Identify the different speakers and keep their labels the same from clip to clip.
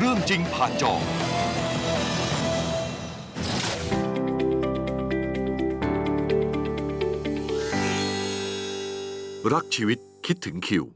Speaker 1: รื่องจริงผ่านจอรักชีวิตคิดถึงคิว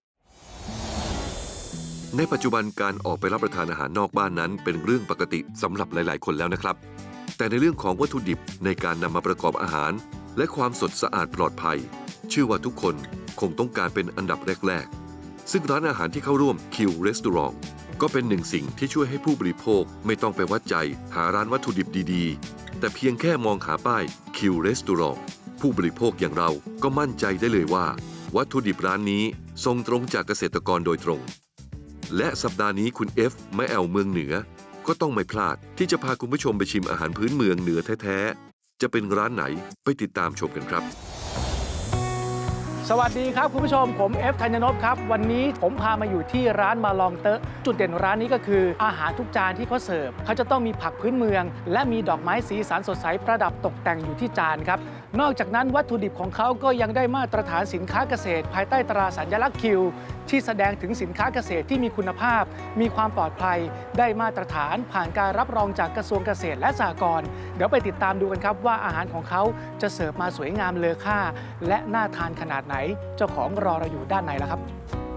Speaker 1: ในปัจจุบันการออกไปรับประทานอาหารนอกบ้านนั้นเป็นเรื่องปกติสำหรับหลายๆคนแล้วนะครับแต่ในเรื่องของวัตถุดิบในการนำมาประกอบอาหารและความสดสะอาดปลอดภัยเชื่อว่าทุกคนคงต้องการเป็นอันดับแรกๆซึ่งร้านอาหารที่เข้าร่วมคิวรีสอร์ทก็เป็นหนึ่งสิ่งที่ช่วยให้ผู้บริโภคไม่ต้องไปวัดใจหาร้านวัตถุดิบดีๆแต่เพียงแค่มองหาป้ายคิวรีสอร์ทผู้บริโภคอย่างเราก็มั่นใจได้เลยว่าวัตถุดิบร้านนี้ส่งตรงจากเกษตรกรโดยตรงและสัปดาห์นี้คุณเอฟแม่แอลเมืองเหนือก็ต้องไม่พลาดที่จะพาคุณผู้ชมไปชิมอาหารพื้นเมืองเหนือแท้ๆจะเป็นร้านไหนไปติดตามชมกันครับ
Speaker 2: สวัสดีครับคุณผู้ชมผมเอฟธัญญนพครับวันนี้ผมพามาอยู่ที่ร้านมาลองเตอะจุดเด่นร้านนี้ก็คืออาหารทุกจานที่เขาเสิร์ฟเขาจะต้องมีผักพื้นเมืองและมีดอกไม้สีสันสดใสประดับตกแต่งอยู่ที่จานครับนอกจากนั้นวัตถุดิบของเขาก็ยังได้มาตรฐานสินค้าเกษตรภายใต้ตราสัญลักษณ์คิวที่แสดงถึงสินค้าเกษตรที่มีคุณภาพมีความปลอดภัยได้มาตรฐานผ่านการรับรองจากกระทรวงเกษตรและสหกรณ์เดี๋ยวไปติดตามดูกันครับว่าอาหารของเขาจะเสิร์ฟมาสวยงามเลอค่าและน่าทานขนาดไหนเจ้าของรอเราอยู่ด้านในแล้วครับ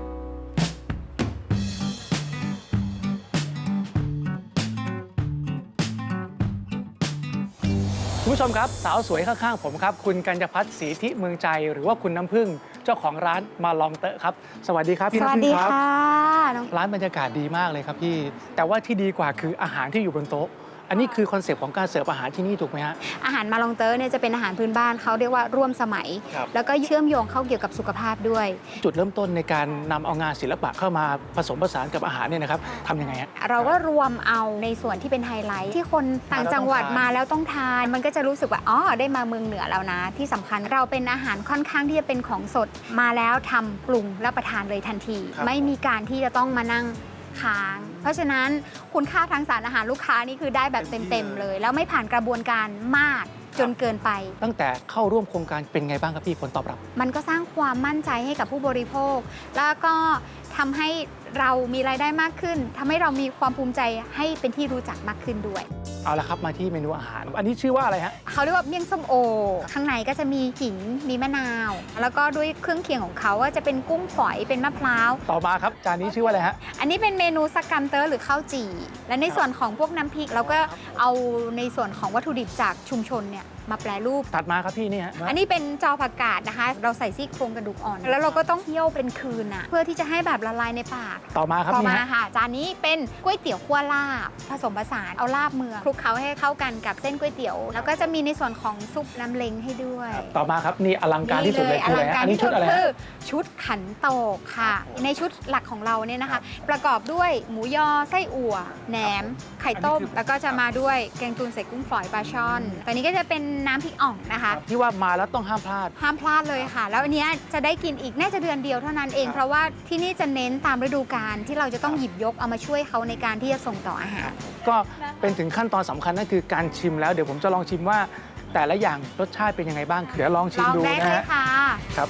Speaker 2: คุณผู้ชมครับสาวสวยข้างๆผมครับคุณกัญญพัฒน์ศรีธิเมืองใจหรือว่าคุณน้ำผึ้งเจ้าของร้านมาลองเตอะครับสวัสดีครับพี่น้ำผึ้งครับร้านบรรยากาศดีมากเลยครับพี่แต่ว่าที่ดีกว่าคืออาหารที่อยู่บนโต๊ะอันนี้คือคอนเซปต์ของการเสิร์ฟอาหารที่นี่ถูกไหมฮะ
Speaker 3: อาหารมาลองเตอร์เนี่ยจะเป็นอาหารพื้นบ้านเขาเรียกว่าร่วมสมัยแล้วก็เชื่อมโยงเข้าเกี่ยวกับสุขภาพด้วย
Speaker 2: จุดเริ่มต้นในการนำเอางานศิลปะเข้ามาผสมผสานกับอาหารเนี่ยนะครับทำยังไงฮะ
Speaker 3: เราก็รวมเอาในส่วนที่เป็นไฮไลท์ที่คนต่างจังหวัดมาแล้วต้องทานมันก็จะรู้สึกว่าอ๋อได้มาเมืองเหนือแล้วนะที่สำคัญเราเป็นอาหารค่อนข้างที่จะเป็นของสดมาแล้วทำปรุงรับประทานเลยทันทีไม่มีการที่จะต้องมานั่งค้างเพราะฉะนั้นคุณค่าทางสารอาหารลูกค้านี่คือได้แบบเต็มๆเลยแล้วไม่ผ่านกระบวนการมากจนเกินไป
Speaker 2: ตั้งแต่เข้าร่วมโครงการเป็นไงบ้างครับพี่ผลตอบรับ
Speaker 3: มันก็สร้างความมั่นใจให้กับผู้บริโภคแล้วก็ทำให้เรามีรายได้มากขึ้นทำให้เรามีความภูมิใจให้เป็นที่รู้จักมากขึ้นด้วย
Speaker 2: เอาละครับมาที่เมนูอาหารอันนี้ชื่อว่าอะไรฮะ
Speaker 3: เขาเรียกว่าเมี่ยงส้มโอข้างในก็จะมีขิงมีมะนาวแล้วก็ด้วยเครื่องเคียงของเขาก็จะเป็นกุ้งฝอยเป็นมะพร้าว
Speaker 2: ต่อมาครับจานนี้ชื่อว่าอะไรฮะ
Speaker 3: อันนี้เป็นเมนูสักกัมเตอร์หรือข้าวจี่และในส่วนของพวกน้ำพริกเราก็เอาในส่วนของวัตถุดิบจากชุมชนเนี่ยมาแปรรูป
Speaker 2: ถัดมาครับพี่นี่ฮะ
Speaker 3: อันนี้เป็นจอผักกาดนะคะเราใส่ซี่โครงกระดูกอ่อนแล้วเราก็ต้องเคี่ยวเป็นคืนเพื่อที่จะให้แบบละลายในปาก
Speaker 2: ต่อมาครับ
Speaker 3: ต่อมาค่ะจานนี้เป็นก๋วยเตี๋ยวคั่วลาบผสมผสานเอาลาบเมืองคลุกเคล้าให้เข้ากันกับเส้นก๋วยเตี๋ยวแล้วก็จะมีในส่วนของซุปน้ำเล้งให้ด้วย
Speaker 2: ต่อมาครับนี่อลังการที่สุดเลยคืออะไรอันนี้ชุดอะไร
Speaker 3: คือชุดขันโตกค่ะในชุดหลักของเราเนี่ยนะคะประกอบด้วยหมูยอไส้อั่วแหนมไข่ต้มแล้วก็จะมาด้วยแกงตูนใส่กุ้งฝอยปลาช่อนตัวนี้ก็จะเป็นน้ำพริกอ่องนะคะ
Speaker 2: ที่ว่ามาแล้วต้องห้ามพลา
Speaker 3: ดเลยค่ะแล้วอันนี้จะได้กินอีกน่าจะเดือนเดียวเท่านั้นเองเพราะว่าที่นี่จะเน้นตามฤดูกาลที่เราจะต้องหยิบยกเอามาช่วยเขาในการที่จะส่งต่ออาหาร
Speaker 2: ก็เป็นถึงขั้นตอนสำคัญนั่นคือการชิมแล้วเดี๋ยวผมจะลองชิมว่าแต่ละอย่างรสชาติเป็นยังไงบ้างเดี๋ยวลองชิมดูนะฮะครับ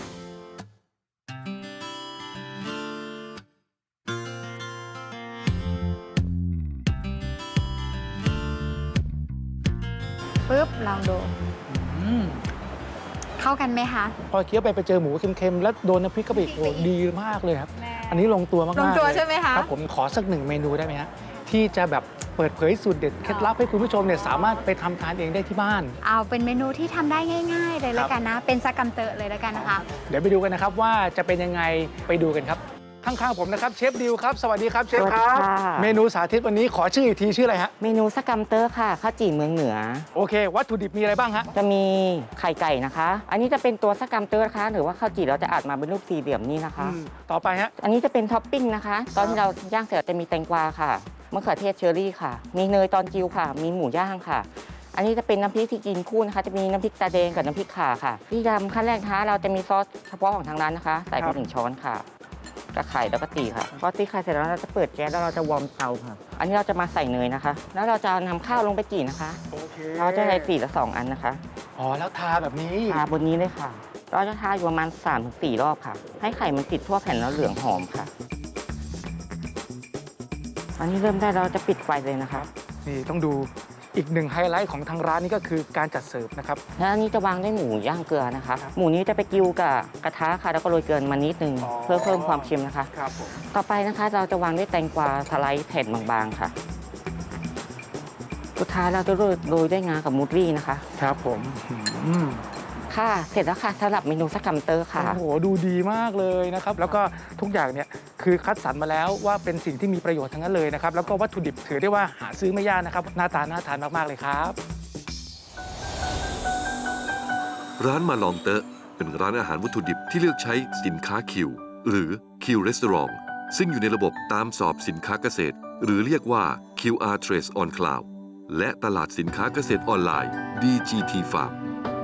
Speaker 3: ปึ๊บลองดูเข้ากันไหมคะ
Speaker 2: พอเคี้ยวไปเจอหมูเค็มๆแล้วโดนน้ำพริกกะปิโอ้ดีมากเลยครับอันนี้ลงตัวมากๆ
Speaker 3: ลงตัวใช่ไหมคะ
Speaker 2: ครับผมขอสักหนึ่งเมนูได้ไหมฮะที่จะแบบเปิดเผยสูตรเด็ดเคล็ดลับให้คุณผู้ชมเนี่ยสามารถไปทำทานเองได้ที่บ้าน
Speaker 3: เอาเป็นเมนูที่ทำได้ง่ายๆเลยแล้วกันนะเป็นซากัมเตอเลยแล้วกันนะคะ
Speaker 2: เดี๋ยวไปดูกันนะครับว่าจะเป็นยังไงไปดูกันครับข้างๆผมนะครับเชฟดิวครับสวัสดีครับเชฟครับเมนูสาธิตวันนี้ขอชื่ออีกทีชื่ออะไรฮะ
Speaker 4: เมนูสกัมเตอร์ค่ะข้าวจี่เมืองเหนือ
Speaker 2: โอเควัตถุดิบมีอะไรบ้างฮะ
Speaker 4: จะมีไข่ไก่นะคะอันนี้จะเป็นตัวสกัมเตอร์นะคะหรือว่าข้าวจี่เราจะอัดมาเป็นรูปสี่เหลี่ยมนี่นะคะ
Speaker 2: ต่อไปฮะ
Speaker 4: อันนี้จะเป็นท็อปปิ้งนะคะตอนที่เราย่างเสร็จจะมีแตงกวาค่ะมะเขือเทศเชอร์รี่ค่ะมีเนยตอนจิวค่ะมีหมูย่างค่ะอันนี้จะเป็นน้ำพริกที่กินคู่นะคะจะมีน้ำพริกตาแดงกับน้ำพริกข่าค่ะที่ทำขั้นแรกนะคะเราจะมีซอสเฉพาะของทางร้านนะคะใส่ไป1 ช้อนค่ะกระไข่แล้วก็ตีค่ะพอตีไข่เสร็จแล้วเราจะเปิดแก๊สแล้วเราจะวอร์มเตาค่ะอันนี้เราจะมาใส่เนยนะคะแล้วเราจะนำข้าวลงไปจี่นะคะเราจะใส่4 ละ 2 อันนะคะ
Speaker 2: อ๋อแล้วทาแบบนี้
Speaker 4: ทาบนนี้เลยค่ะเราจะทาอยู่ประมาณ3-4 รอบค่ะให้ไข่มันติดทั่วแผ่นแล้วเหลืองหอมค่ะอันนี้เริ่มได้เราจะปิดไฟเลยนะคะ
Speaker 2: นี่ต้องดูอีกหนึ่งไฮไลท์ของทางร้านนี่ก็คือการจัดเสิร์ฟนะครับ
Speaker 4: แล้วอันนี้จะวางด้วยหมูย่างเกลือนะคะ หมูนี้จะไปกิ้วกับกระทะค่ะแล้วก็โรยเกลือมานิดนึง
Speaker 2: อ๋อ
Speaker 4: เพื่อเพิ่มความเค็มนะคะ
Speaker 2: ครับผม
Speaker 4: ต่อไปนะคะเราจะวางด้วยแตงกวาสไลด์แผ่นบางๆค่ะ สุดท้ายเราจะโรยด้วยงากับมูสลี่นะคะ
Speaker 2: ครับผมอืม
Speaker 4: ค่ะ เสร็จแล้วค่ะสำหรับเมนูสกัมเตอร์ค่ะ
Speaker 2: โอ้โหดูดีมากเลยนะครับแล้วก็ทุกอย่างเนี่ยคือคัดสรรมาแล้วว่าเป็นสิ่งที่มีประโยชน์ทั้งนั้นเลยนะครับแล้วก็วัตถุดิบถือได้ว่าหาซื้อไม่ยากนะครับหน้าตาน่าทานมากๆเลยครับ
Speaker 1: ร้านมาลองเตอะเป็นร้านอาหารวัตถุดิบที่เลือกใช้สินค้าคิวหรือ Q Restaurant ซึ่งอยู่ในระบบตามสอบสินค้าเกษตร หรือเรียกว่า QR Trace on Cloud และตลาดสินค้าเกษตรออนไลน์ DGT Farm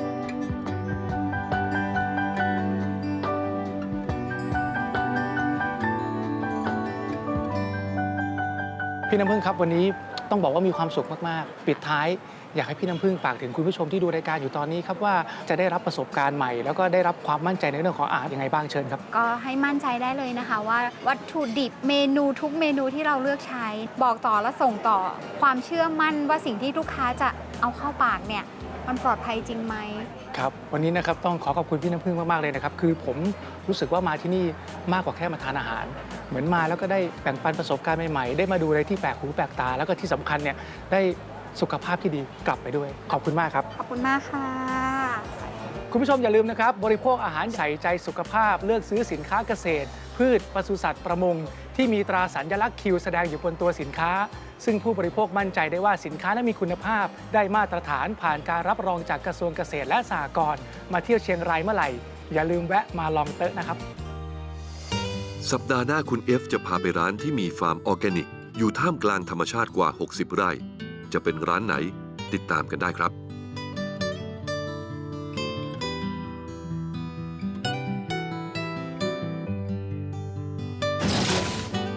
Speaker 2: พี่น้ำพึ่งครับวันนี้ต้องบอกว่ามีความสุขมากๆปิดท้ายอยากให้พี่น้ำพึ่งฝากถึงคุณผู้ชมที่ดูรายการอยู่ตอนนี้ครับว่าจะได้รับประสบการณ์ใหม่แล้วก็ได้รับความมั่นใจในเรื่องของอาหารยังไงบ้างเชิญครับ
Speaker 3: ก็ให้มั่นใจได้เลยนะคะว่าวัตถุดิบเมนูทุกเมนูที่เราเลือกใช้ บอกต่อและส่งต่อความเชื่อมั่นว่าสิ่งที่ลูกค้าจะเอาเข้าปากเนี่ยมันปลอดภัยจริงไหม
Speaker 2: ครับวันนี้นะครับต้องขอขอบคุณพี่น้ำพึ่งมากๆเลยนะครับคือผมรู้สึกว่ามาที่นี่มากกว่าแค่มาทานอาหาร เหมือนมาแล้วก็ได้แบ่งปันประสบการณ์ใหม่ๆได้มาดูอะไรที่แปลกหูแปลกตา แล้วก็ที่สำคัญเนี่ยได้สุขภาพที่ดีกลับไปด้วยขอบคุณมากครับ
Speaker 3: ขอบคุณมากค่ะ
Speaker 2: คุณผู้ชมอย่าลืมนะครับบริโภคอาหารใส่ใจสุขภาพเลือกซื้อสินค้าเกษตร พืชปศุสัตว์ประมงที่มีตราสัญลักษณ์คิวแสดงอยู่บนตัวสินค้า ซึ่งผู้บริโภคมั่นใจได้ว่าสินค้านั้นมีคุณภาพ ได้มาตรฐานผ่านการรับรองจากกระทรวงเกษตรและสหกรณ์มาเที่ยวเชียงรายเมื่อไหร่อย่าลืมแวะมาลองเตอะนะครับ
Speaker 1: สัปดาห์หน้าคุณเอฟจะพาไปร้านที่มีฟาร์มออร์แกนิก อยู่ท่ามกลางธรรมชาติกว่า 60 ไร่ จะเป็นร้านไหนติดตามกันได้ครับ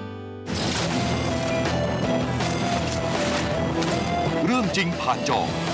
Speaker 1: เรื่องจริงผ่านจอ